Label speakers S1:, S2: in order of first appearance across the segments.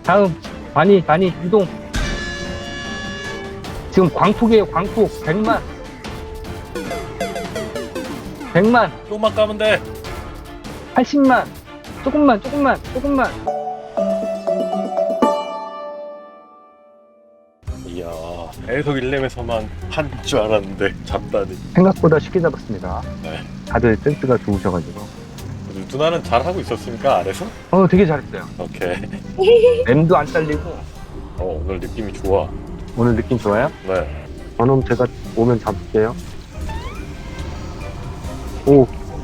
S1: 다음 많이 이동. 지금 광폭이에요. 광폭 100만.
S2: 조금만 까면 돼.
S1: 80만. 조금만.
S2: 이야, 계속 1렘에서만 한 줄 알았는데 잡다니.
S1: 생각보다 쉽게 잡았습니다.
S2: 네.
S1: 다들 센스가 좋으셔가지고.
S2: 누나는 잘하고 있었습니까, 아래서?
S1: 되게 잘했어요.
S2: 오케이.
S1: 램도 안 잘리고.
S2: 오늘 느낌이 좋아.
S1: 오늘 느낌 좋아요?
S2: 네.
S1: 저놈 제가 오면 잡을게요. 오,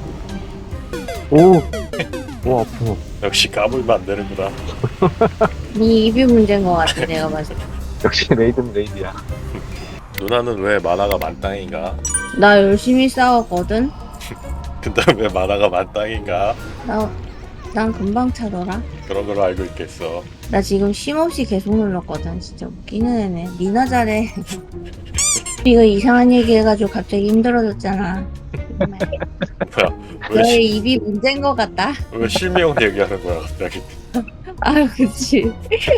S1: 아프고.
S2: 역시 까불면 안 되는구나.
S3: 네 입이 문제인 것 같아, 내가 봤을 때.
S1: 역시 레이드는 레이드야.
S2: 누나는 왜 만화가 만땅인가?
S3: 나 열심히 싸웠거든?
S2: 근데 왜 만화가 만땅인가?
S3: 난 금방 차더라.
S2: 그런 걸로 알고 있겠어.
S3: 나 지금 쉼없이 계속 눌렀거든. 진짜 웃기는 애네. 니나 잘해. 이거 이상한 얘기 해가지고 갑자기 힘들어졌잖아.
S2: 뭐야,
S3: 너의 입이 문제인 것 같다.
S2: 왜 실명 얘기하는 거야, 갑자기?
S3: 아유, 그치.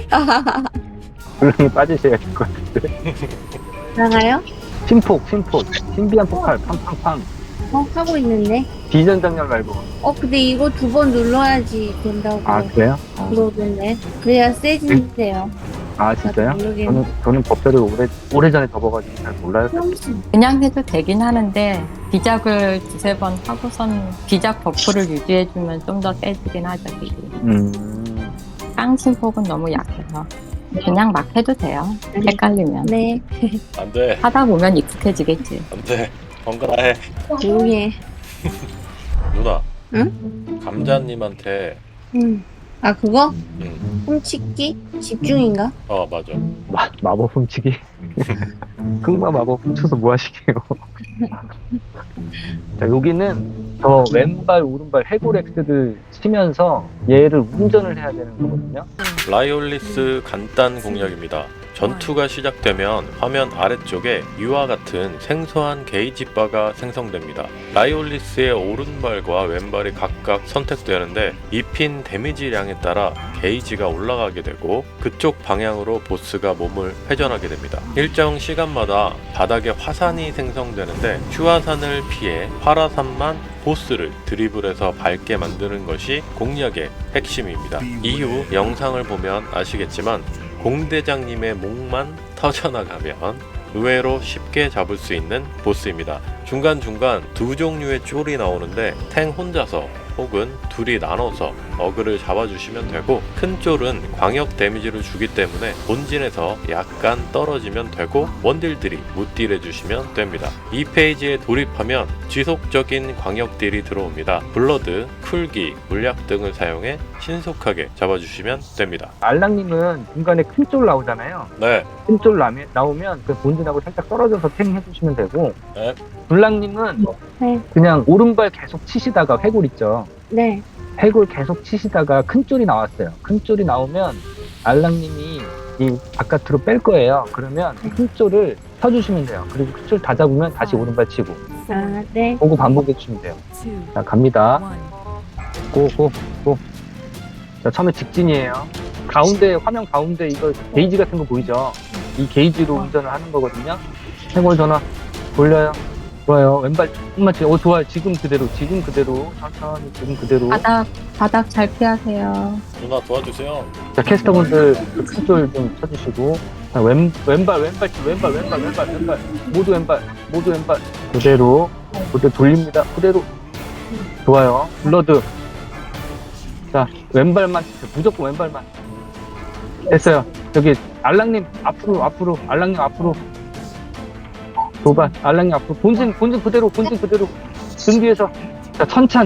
S1: 물렁이 빠지셔야 될 것 같은데.
S3: 나가요?
S1: 심폭. 신비한 폭발. 팡팡팡.
S3: 하고 있는데.
S1: 비전장렬 말고.
S3: 근데 이거 2번 눌러야지 된다고.
S1: 아, 그래요?
S3: 그러던데. 그래야 세진대요.
S1: 아, 진짜요?
S3: 모르겠네.
S1: 저는 법대를 오래전에 접어가지고 잘 몰라요.
S4: 그냥 해도 되긴 하는데 비작을 2-3번 하고선 비작 버프를 유지해주면 좀 더 세지긴 하죠. 깡신폭은 너무 약해서 그냥 막 해도 돼요. 헷갈리면.
S3: 네.
S2: 안 돼,
S4: 하다 보면 익숙해지겠지.
S2: 안 돼. 번갈아 해.
S3: 조용히 해.
S2: 누나.
S3: 응?
S2: 감자님한테.
S3: 아, 그거?
S2: 응.
S3: 훔치기? 집중인가?
S2: 맞아.
S1: 마법 훔치기. 흑마 마법 훔쳐서 뭐 하시게요? 자, 여기는 저 왼발 오른발 해골엑스를 치면서 얘를 운전을 해야 되는 거거든요.
S2: 라이올리스 간단 공략입니다. 전투가 시작되면 화면 아래쪽에 이와 같은 생소한 게이지 바가 생성됩니다. 라이올리스의 오른발과 왼발이 각각 선택되는데 입힌 데미지량에 따라 게이지가 올라가게 되고 그쪽 방향으로 보스가 몸을 회전하게 됩니다. 일정 시간마다 바닥에 화산이 생성되는데 휴화산을 피해 활화산만 보스를 드리블해서 밟게 만드는 것이 공략의 핵심입니다. 이후 영상을 보면 아시겠지만 공대장님의 목만 터져나가면 의외로 쉽게 잡을 수 있는 보스입니다. 중간중간 2종류의 쫄이 나오는데 탱 혼자서 혹은 둘이 나눠서 어그를 잡아주시면 되고, 큰 쫄은 광역 데미지를 주기 때문에 본진에서 약간 떨어지면 되고 원딜들이 무딜 해주시면 됩니다. 이 페이지에 돌입하면 지속적인 광역 딜이 들어옵니다. 블러드, 쿨기, 물약 등을 사용해 신속하게 잡아주시면 됩니다.
S1: 알랑님은 중간에 큰 쫄 나오잖아요.
S2: 네.
S1: 큰 쫄 나오면 그 본진하고 살짝 떨어져서 탱 해주시면 되고,
S2: 네.
S1: 불랑님은
S3: 네.
S1: 그냥 오른발 계속 치시다가 해골 있죠.
S3: 네.
S1: 해골 계속 치시다가 큰 쫄이 나왔어요. 큰 쫄이 나오면 알랑님이 이 바깥으로 뺄 거예요. 그러면 큰 쫄을 쳐주시면 돼요. 그리고 큰 쫄 다 잡으면 다시 오른발 치고.
S3: 아, 네.
S1: 보고 반복해 주시면 돼요. 자, 갑니다. 고. 자, 처음에 직진이에요. 가운데, 화면 가운데 이거 게이지 같은 거 보이죠? 이 게이지로 운전을 하는 거거든요. 해골 전화 돌려요. 좋아요. 왼발 조금만 치고. 좋아요. 지금 그대로. 천천히 지금 그대로.
S4: 바닥 잘 피하세요.
S2: 누나 도와주세요.
S1: 자, 캐스터분들 큰 쫄 좀 쳐주시고. 자, 왼발 모두 왼발 그대로 돌립니다. 그대로. 좋아요. 블러드. 자, 왼발만 치세요. 무조건 왼발만. 됐어요. 여기 알랑님 앞으로 알랑님 앞으로. 도발 알랑님 앞으로. 본진 그대로. 등 뒤에서. 자, 천찬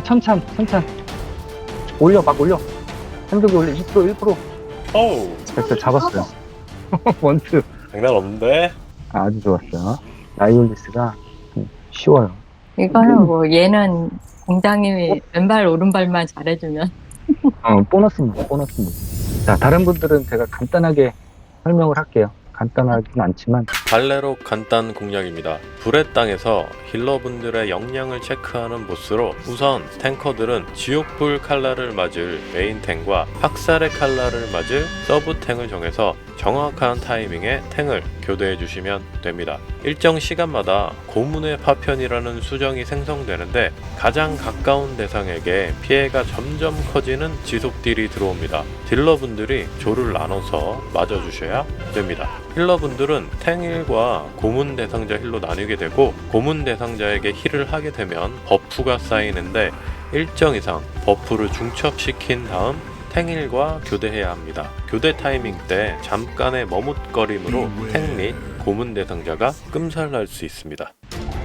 S1: 올려. 행동이 올려. 2%
S2: 어우,
S1: 됐어요. 잡았어요. 원투.
S2: 장난 없는데?
S1: 아주 좋았어요. 라이올리스가 쉬워요.
S4: 이거는 뭐 얘는 공장님이 왼발 오른발만 잘해주면
S1: 보너스입니다. 자, 다른 분들은 제가 간단하게 설명을 할게요. 간단하진 않지만
S2: 발레로 간단 공략입니다. 불의 땅에서 힐러분들의 역량을 체크하는 보스로 우선 탱커들은 지옥불 칼날을 맞을 메인 탱과 학살의 칼날을 맞을 서브 탱을 정해서 정확한 타이밍에 탱을 교대해 주시면 됩니다. 일정 시간마다 고문의 파편이라는 수정이 생성되는데 가장 가까운 대상에게 피해가 점점 커지는 지속딜이 들어옵니다. 딜러분들이 조를 나눠서 맞아주셔야 됩니다. 힐러분들은 탱1과 고문 대상자 힐로 나뉘게 되고 고문 대상자에게 힐을 하게 되면 버프가 쌓이는데 일정 이상 버프를 중첩시킨 다음 탱1과 교대해야 합니다. 교대 타이밍 때 잠깐의 머뭇거림으로 탱 및 고문 대상자가 끔살날 수 있습니다.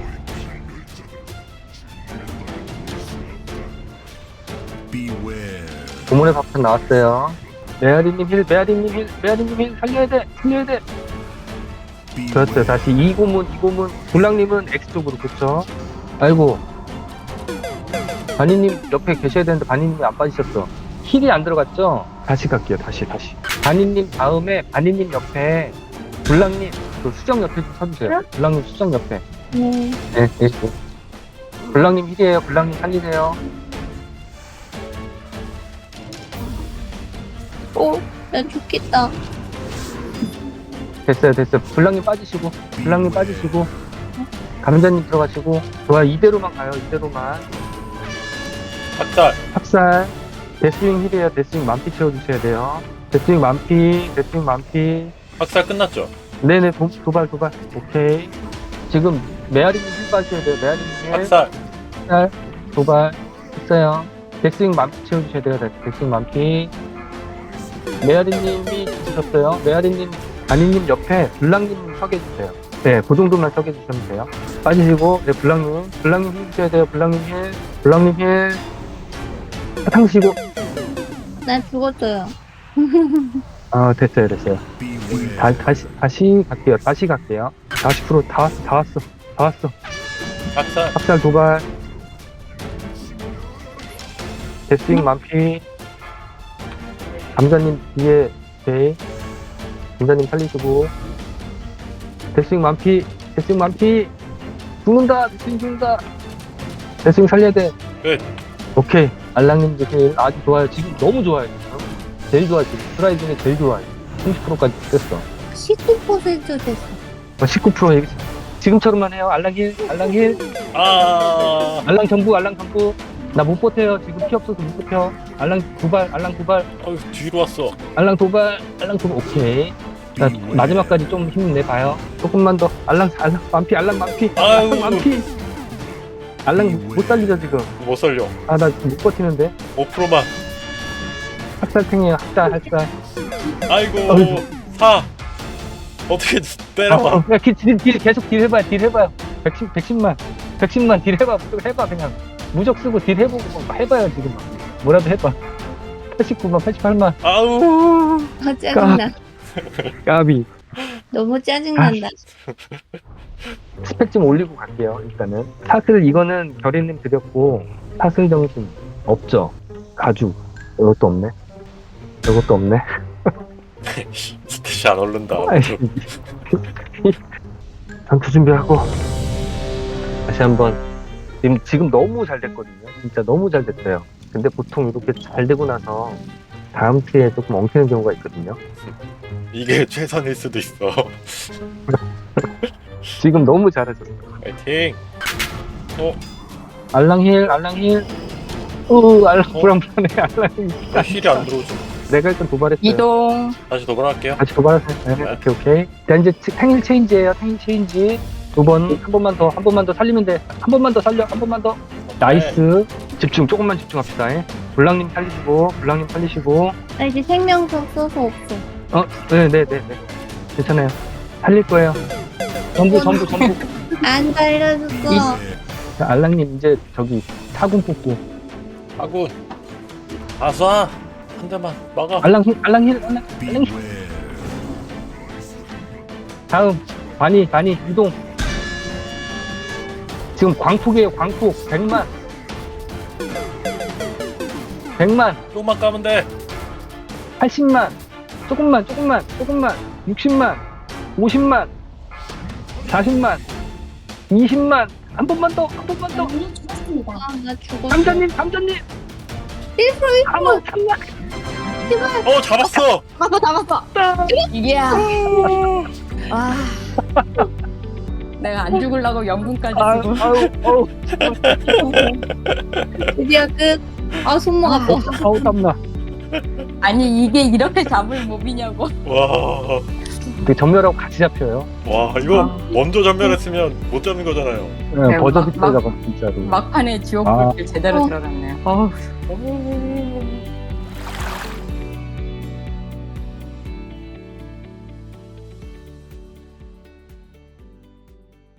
S1: 고문의 밥편 나왔어요. 메아리님 힐, 메아리님 힐, 메아리님 힐, 살려야 돼, 살려야 돼. 그렇죠. 다시 이 고문. 불랑님은 X쪽으로, 그쵸? 아이고. 바니님 옆에 계셔야 되는데 바니님이 안 빠지셨어. 힐이 안 들어갔죠? 다시 갈게요, 다시. 바니님 다음에 바니님 옆에 불랑님, 그 수정 옆에 좀 서주세요. 불랑님 수정 옆에.
S3: 네.
S1: 네. 불랑님 힐이에요. 불랑님 살리세요.
S3: 오, 나 죽겠다.
S1: 됐어요. 불랑님 빠지시고, 감자님 들어가시고, 좋아요. 이대로만 가요, 이대로만. 학살. 데스윙 힐이에요. 데스윙 만피 채워주셔야 돼요. 데스윙 만피.
S2: 학살 끝났죠?
S1: 네네, 도발. 오케이. 지금 메아리님 힐 빠셔야 돼요. 메아리님 힐.
S2: 학살.
S1: 도발. 했어요. 데스윙 만피 채워주셔야 돼요. 데스윙 만피. 메아리님이 죽으셨어요. 메아리님, 아니님 옆에 블랑님 서계주세요. 네, 그 정도만 서계주시면 돼요. 빠지시고, 네, 블랑님 힐 주셔야 돼요. 블랑님 힐. 사탕시고.
S3: 난 죽었어요.
S1: 됐어요. 다시 갈게요. 40% 다 왔어. 학살 도발. 데스윙 만피. 감자님 뒤에, 네. 감자님 살리시고. 데스윙 만피. 죽는다. 데스윙 살려야 돼.
S2: 끝.
S1: 오케이. 알랑님도 힐 아주 좋아요. 지금 너무 좋아요. 지금. 제일 좋아, 지금. 트라이 중에 제일 좋아요. 30%까지 됐어.
S3: 19% 됐어.
S1: 19% 얘기. 지금처럼만 해요. 알랑 힐. 알랑 전부. 나 못 버텨요. 지금 피 없어서 못 버텨. 알랑 도발.
S2: 뒤로 왔어.
S1: 알랑 도발. 오케이. 자, 마지막까지 좀 힘내봐요. 조금만 더. 알랑 만피. 알랑 못 살리죠, 지금.
S2: 못 살려.
S1: 나 못 버티는데.
S2: 5%만.
S1: 학살탱이에요, 학살.
S2: 아이고.
S1: 어이구.
S2: 4. 어떻게 때려봐.
S1: 야, 계속 딜 해봐요. 110만 딜 해봐. 무조건 해봐, 그냥. 무적 쓰고 딜 해보고 해봐요, 지금. 뭐라도 해봐. 89만, 88만.
S2: 아우.
S3: 짜증나.
S1: 까비.
S3: 너무 짜증난다.
S1: 스펙 좀 올리고 갈게요, 일단은. 사슬, 이거는 결의님 드렸고, 사슬 정신 없죠? 가죽. 이것도 없네.
S2: 스탯이 안 오른다.
S1: 전투 준비하고, 다시 한번. 지금 너무 잘 됐거든요. 진짜 너무 잘 됐어요. 근데 보통 이렇게 잘 되고 나서 다음 피에 조금 엉키는 경우가 있거든요.
S2: 이게 최선일 수도 있어.
S1: 지금 너무 잘하셨어요.
S2: 파이팅.
S1: 알랑 힐. 알랑 불안해. 알랑
S2: 힐이 안 들어오죠.
S1: 내가 일단 도발했어요.
S4: 이동.
S2: 다시 도발할게요.
S1: 다시 도발했어요. 네. 오케이. 자, 이제 탱일 체인지예요. 한 번만 더 살리면 돼. 한 번만 더 살려. 나이스. 조금만 집중합시다. 블랑님 살리시고.
S3: 나 이제 생명석 써서 없어.
S1: 네. 괜찮아요. 살릴 거예요. 전부.
S3: 안 살려줬어.
S1: 자, 알랑님 이제 저기 사군 뽑고.
S2: 아군. 아싸. 한 대만 막아.
S1: 알랑 힐. 다음 바니 이동. 지금 광폭이에요. 100만.
S2: 조금만 까면 돼.
S1: 80만. 조금만. 60만. 50만. 40만, 20만, 한 번만 더, 한 번만 더.
S3: 아, 나 죽었어.
S1: 감자님, 감자님.
S3: 1%
S1: 한번 참나.
S2: 잡았어.
S4: 잡았어. 이야. 와. 내가 안 죽으려고 연금까지
S1: 아유,
S4: 쓰고.
S1: 아유,
S3: 드디어 끝. 아, 손목 아파.
S1: 아우, 땀나.
S4: 아니 이게 이렇게 잡을 몹이냐고.
S2: 와,
S1: 그 전멸하고 같이 잡혀요.
S2: 이거 먼저 전멸했으면 못 잡는 거잖아요.
S1: 네, 버저비 때
S4: 막-
S1: 잡아, 진짜로.
S4: 막판에 지옥불길 제대로 들어갔네요. 어우.